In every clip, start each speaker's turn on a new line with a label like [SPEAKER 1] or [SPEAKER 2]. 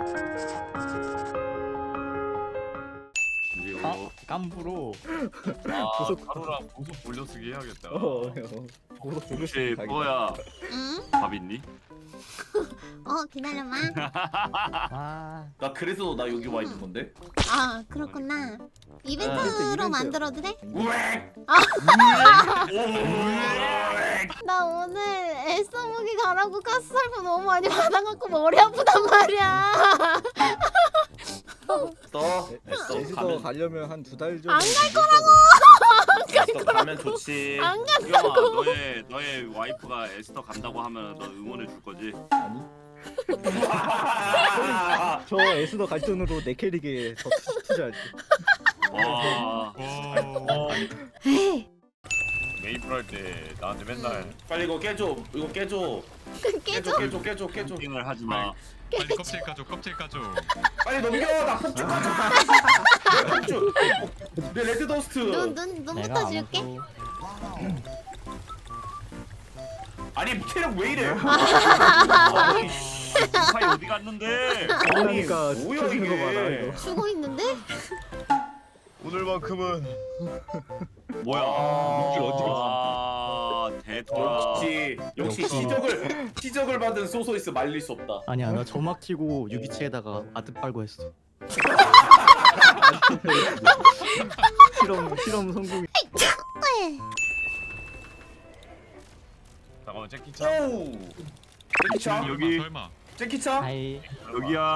[SPEAKER 1] 깜부로.
[SPEAKER 2] 가루랑 보석 돌려쓰기 해야겠다.
[SPEAKER 3] 혹시 뽀야
[SPEAKER 4] 응?
[SPEAKER 3] 밥 있니?
[SPEAKER 4] 기다려봐.
[SPEAKER 1] 아,
[SPEAKER 5] 나 그래서 나 여기 와 있는 건데.
[SPEAKER 4] 아 그렇구나. 이벤트로
[SPEAKER 1] 이벤트.
[SPEAKER 4] 만들어도 돼?
[SPEAKER 5] 우엑.
[SPEAKER 4] 나 오늘 애써 무기 가라고 가스 살포 너무 많이 받아갖고 머리 아프단 말이야.
[SPEAKER 1] 제주도 가려면 한 2달 정도.
[SPEAKER 4] 안 갈 거라고.
[SPEAKER 5] 에스더 가면 좋지.
[SPEAKER 4] 안 가.
[SPEAKER 3] 수경아 너의 와이프가 에스더 간다고 하면 너 응원해 줄 거지?
[SPEAKER 1] 아니. 저 에스더 갈 돈으로 내 캐릭에 더 투자할게.
[SPEAKER 3] 와
[SPEAKER 2] 메이플 할 때 나한테 맨날
[SPEAKER 5] 빨리 이거 깨줘. 이거 깨줘.
[SPEAKER 4] 깨져.
[SPEAKER 5] 깨줘.
[SPEAKER 3] 팅을 하지 마.
[SPEAKER 6] 빨리 껍질 까줘 껍질 까줘.
[SPEAKER 5] 빨리 넘겨. 나 폭죽 가져. 폭죽. 내 레드 더스트.
[SPEAKER 4] 눈부터 줄게.
[SPEAKER 5] 아니 체력 왜 이래?
[SPEAKER 3] 아니 파이 어디 갔는데?
[SPEAKER 1] 그러니까
[SPEAKER 5] 뭐야,
[SPEAKER 1] 시켜주는 거 봐라
[SPEAKER 5] 이게.
[SPEAKER 1] 이거.
[SPEAKER 4] 죽어 있는데?
[SPEAKER 2] 오늘만큼은
[SPEAKER 3] 뭐야? 아 대토라.
[SPEAKER 5] 역시 시적을 받은 소소이스 말릴 수 없다.
[SPEAKER 1] 아니야 나 점막 치고 유기체에다가 아드 빨고 했어. 실험 성공.
[SPEAKER 2] 잠깐만 재키차.
[SPEAKER 5] 오. 제키차.
[SPEAKER 3] 여기
[SPEAKER 6] 설마.
[SPEAKER 5] 제키차.
[SPEAKER 1] 아이
[SPEAKER 3] 여기야.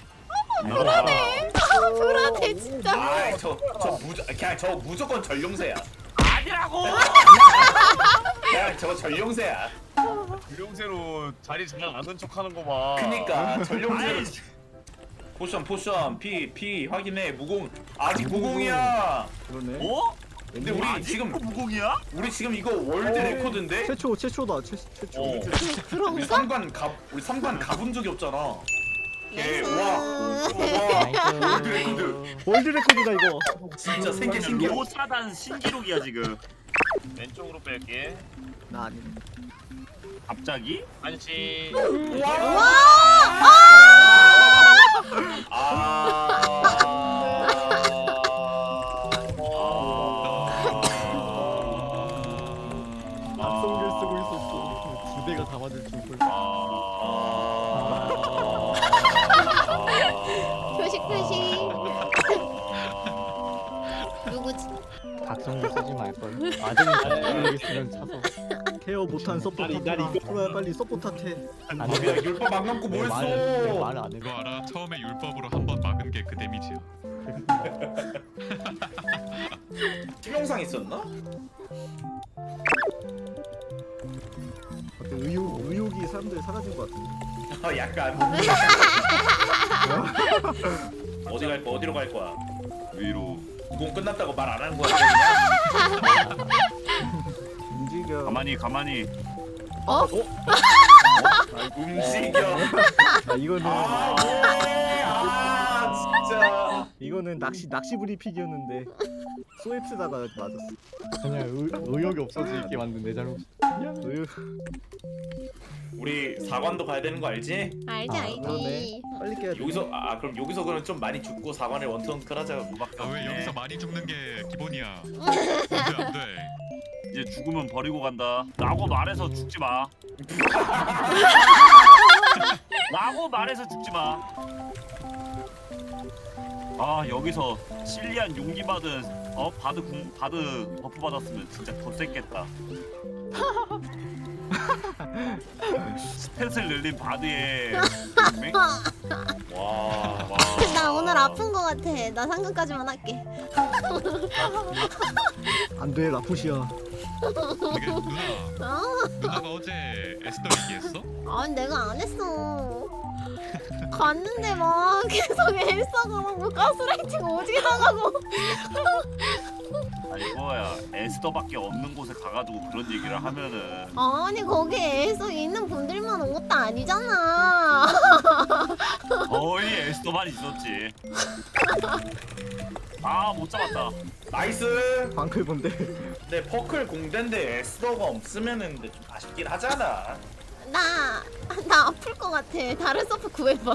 [SPEAKER 4] 불안해 진짜.
[SPEAKER 5] 그냥 저 무조건 전룡새야.
[SPEAKER 3] 아니라고.
[SPEAKER 5] 그냥 저거 전룡새야.
[SPEAKER 2] 유령새로 자리 장난 안된 척하는 거 봐.
[SPEAKER 5] 그니까 전룡새. 포션 피 확인해. 무공 아직 무공이야.
[SPEAKER 1] 그러네.
[SPEAKER 3] 어?
[SPEAKER 5] 근데 우리
[SPEAKER 3] 아직도
[SPEAKER 5] 지금
[SPEAKER 3] 무공이야?
[SPEAKER 5] 이거 월드 레코드인데.
[SPEAKER 1] 최초다 최초.
[SPEAKER 5] 우리 삼관 가본 적이 없잖아. 예, 와 월드 레코드.
[SPEAKER 1] 월드 레코드다 이거.
[SPEAKER 5] 진짜 신기해.
[SPEAKER 3] 로사단 신기록이야 지금.
[SPEAKER 2] 왼쪽으로 뺄게.
[SPEAKER 1] 나 아니.
[SPEAKER 3] 갑자기?
[SPEAKER 2] 안치.
[SPEAKER 1] 악성글 쓰고 있었어. 2대가 다 맞을 줄 몰라.
[SPEAKER 4] 표식. 누구지?
[SPEAKER 1] 각성글 쓰지 말걸. 아들이 있으면 차서. 케어 못한 서포터라. 그래 빨리 서포터한테.
[SPEAKER 5] 야 율법 안 감고 뭐 했어?
[SPEAKER 1] 말을 안 해.
[SPEAKER 6] 그거 알아? 처음에 율법으로 한 번 막은 게 그 데미지야.
[SPEAKER 5] 치명상 있었나?
[SPEAKER 1] 어때 의욕이 사람들이 사라진 것 같은데.
[SPEAKER 5] 약간. 어디로 갈 거야?
[SPEAKER 3] 위로.
[SPEAKER 5] 무공 끝났다고 말 안 하는 거야? 그냥?
[SPEAKER 1] 움직여.
[SPEAKER 3] 가만히.
[SPEAKER 5] 움직여.
[SPEAKER 1] 이거는
[SPEAKER 5] 진짜.
[SPEAKER 1] 이거는 낚시 브리픽이었는데 소입스다가 맞았어. 그냥 의욕이 없어지게 만든 내 잘못. 의욕.
[SPEAKER 5] 우리 사관도 가야 되는 거 알지?
[SPEAKER 4] 알지.
[SPEAKER 1] 그러네. 빨리 깨야 돼.
[SPEAKER 5] 그럼 여기서 그럼 좀 많이 죽고 사관을 원턴클 하자.
[SPEAKER 6] 아 왜 여기서 많이 죽는 게 기본이야. 안돼.
[SPEAKER 3] 이제 죽으면 버리고 간다. 라고 말해서 죽지 마. 라고 말해서 죽지 마. 아 여기서 실리안 용기 받은 바드 버프 받았으면 진짜 더 셌겠다. 스탯을 늘린 바드의 동맹?
[SPEAKER 5] 와.
[SPEAKER 4] 나 오늘 아픈 거 같아. 나 상관까지만 할게.
[SPEAKER 1] 안돼 라푸시야.
[SPEAKER 6] 이게 누나가 어제 에스더 얘기했어?
[SPEAKER 4] 아니 내가 안 했어. 갔는데 막 계속 엘사가라고 가스라이팅 오지게 나가고.
[SPEAKER 3] 아니 뭐야 에스더밖에 없는 곳에 가가지고 그런 얘기를 하면은
[SPEAKER 4] 아니 거기에 엘사 있는 분들만 온 것도 아니잖아.
[SPEAKER 3] 거의 에스더만 있었지. 아 못 잡았다.
[SPEAKER 5] 나이스.
[SPEAKER 1] 방클 본데.
[SPEAKER 5] 근데 퍼클 공대인데 에스더가 없으면은 근데 좀 아쉽긴 하잖아.
[SPEAKER 4] 나 아플 것 같아. 다른 서프 구해봐.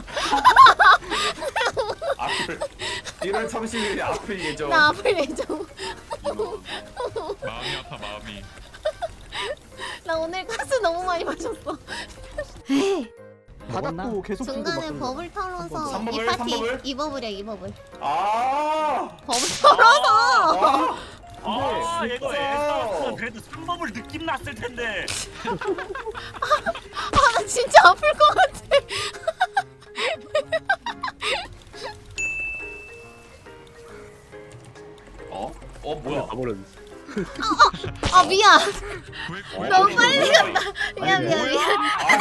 [SPEAKER 5] 앞을 1월 30일에 앞을 예정.
[SPEAKER 4] 나 아플 예정.
[SPEAKER 3] 이거
[SPEAKER 6] 마음이 아파 마음이.
[SPEAKER 4] 나 오늘 가스 너무 많이 마셨어.
[SPEAKER 1] 바닥도 계속 들고
[SPEAKER 4] 중간에
[SPEAKER 1] 막
[SPEAKER 4] 버블 털어서
[SPEAKER 5] 삼 버블,
[SPEAKER 4] 이
[SPEAKER 5] 삼
[SPEAKER 4] 파티
[SPEAKER 5] 버블?
[SPEAKER 4] 2버블이야 2버블.
[SPEAKER 5] 아.
[SPEAKER 4] 버블 털어서.
[SPEAKER 3] 아
[SPEAKER 5] 근데
[SPEAKER 3] 이거
[SPEAKER 5] 진짜.
[SPEAKER 3] 에스타였으면 그래도 3법을 느낌 났을 텐데.
[SPEAKER 4] 나 진짜 아플 것 같아.
[SPEAKER 5] 뭐야?
[SPEAKER 1] 가버렸어.
[SPEAKER 4] 아 미안.
[SPEAKER 6] 왜
[SPEAKER 4] 너무 빨리
[SPEAKER 5] 갔다.
[SPEAKER 4] 미안 미안 미안.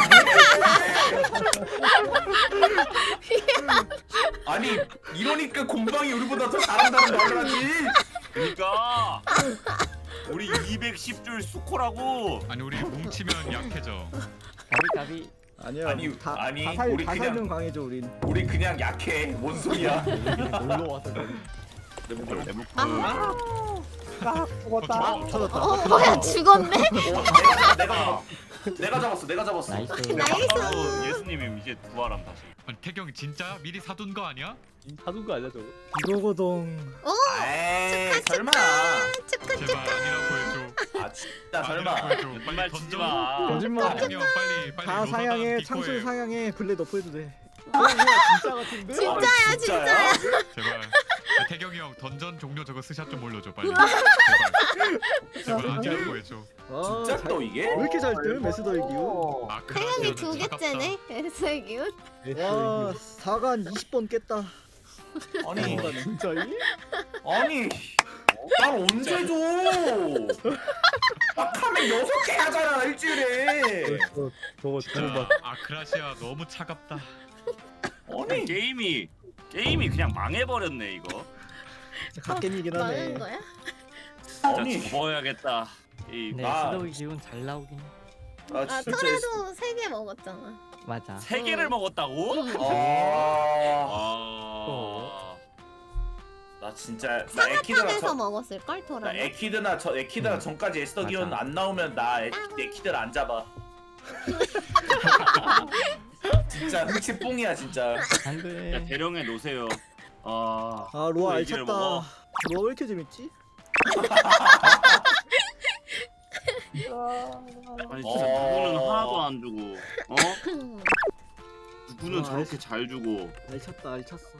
[SPEAKER 5] 아니 이러니까 곰방이 우리보다 더 잘한다는 말을 하지.
[SPEAKER 3] 그러니까 우리 210줄 수코라고.
[SPEAKER 6] 아니 우리 뭉치면 약해져.
[SPEAKER 1] 가비. 아니야.
[SPEAKER 5] 아니, 우리
[SPEAKER 1] 다
[SPEAKER 5] 그냥-
[SPEAKER 1] 살면 강해져 우린.
[SPEAKER 5] 우리 그냥 약해. 뭔 소리야?
[SPEAKER 1] 놀러 와서 그래.
[SPEAKER 6] 죽었다.
[SPEAKER 1] 찾았다.
[SPEAKER 4] 뭐야 죽었네?
[SPEAKER 5] 내가 잡았어.
[SPEAKER 1] 나이스.
[SPEAKER 4] 나이스.
[SPEAKER 3] 예수님이 이제 부활함 다시.
[SPEAKER 6] 아니 태경이 진짜 미리 사둔 거 아니야?
[SPEAKER 1] 사둔 거 아니야 저거? 이거거든.
[SPEAKER 5] 에이 설마.
[SPEAKER 4] 축하
[SPEAKER 6] 제발
[SPEAKER 4] 축하.
[SPEAKER 6] 아니라고 해줘.
[SPEAKER 5] 아 진짜
[SPEAKER 6] 아니라고
[SPEAKER 5] 설마.
[SPEAKER 6] 해줘.
[SPEAKER 3] 말
[SPEAKER 6] 빨리
[SPEAKER 3] 치지
[SPEAKER 6] 던져.
[SPEAKER 3] 마.
[SPEAKER 1] 거짓말.
[SPEAKER 6] 태경이 형 빨리
[SPEAKER 1] 다
[SPEAKER 6] 로사단
[SPEAKER 1] 사양해.
[SPEAKER 6] 비코해.
[SPEAKER 1] 창술 사양해. 블랙 너프해도 돼. 진짜 같은데?
[SPEAKER 4] 진짜야 진짜야.
[SPEAKER 6] 제발. 태경이 형 던전 종료 저거 스샷 좀 올려줘 빨리. 제발 아니라고 해줘.
[SPEAKER 1] 아,
[SPEAKER 5] 진짜
[SPEAKER 1] 잘-
[SPEAKER 5] 또 이게?
[SPEAKER 1] 왜 이렇게 잘 뜨? 메스더의 기운.
[SPEAKER 6] 아
[SPEAKER 4] 태양이 두 개째네. 에스의 기운.
[SPEAKER 1] 와 4간 20번 깼다.
[SPEAKER 5] 아니
[SPEAKER 1] 진짜이?
[SPEAKER 5] 아니 난 언제 줘? 나 카멘 6개 하잖아 일주일에.
[SPEAKER 1] 저거
[SPEAKER 6] 진짜 아크라시아 너무 차갑다.
[SPEAKER 5] 아니
[SPEAKER 3] 게임이 그냥 망해버렸네 이거.
[SPEAKER 1] 갓겜이긴 하네.
[SPEAKER 4] 많은 거야?
[SPEAKER 3] 진짜
[SPEAKER 5] 아니.
[SPEAKER 3] 접어야겠다. 이
[SPEAKER 7] 네,
[SPEAKER 5] 아.
[SPEAKER 7] 스도이 기운 잘 나오긴.
[SPEAKER 5] 아
[SPEAKER 4] 아
[SPEAKER 5] 진짜.
[SPEAKER 4] 털에도 3개 먹었잖아.
[SPEAKER 7] 맞아.
[SPEAKER 3] 세 개를 먹었다고?
[SPEAKER 5] 아. 나 진짜 나
[SPEAKER 4] 사과탑에서 먹었을 걸
[SPEAKER 5] 나
[SPEAKER 4] 털어.
[SPEAKER 5] 에키드나 전까지 에스더기온
[SPEAKER 7] 맞아.
[SPEAKER 5] 안 나오면 나 에키드를 안 잡아. 진짜 흥치 뽕이야 진짜.
[SPEAKER 7] 안
[SPEAKER 3] 야
[SPEAKER 7] 돼.
[SPEAKER 3] 대령에 놓으세요. 아
[SPEAKER 1] 아 로아
[SPEAKER 3] 또 얘기를
[SPEAKER 1] 알찼다.
[SPEAKER 3] 먹어.
[SPEAKER 1] 로아 왜 이렇게 재밌지?
[SPEAKER 3] 아니 진짜 누구는 하나도 안 주고 누구는
[SPEAKER 1] 아,
[SPEAKER 3] 저렇게 잘 주고.
[SPEAKER 1] 알찼다 알찼어.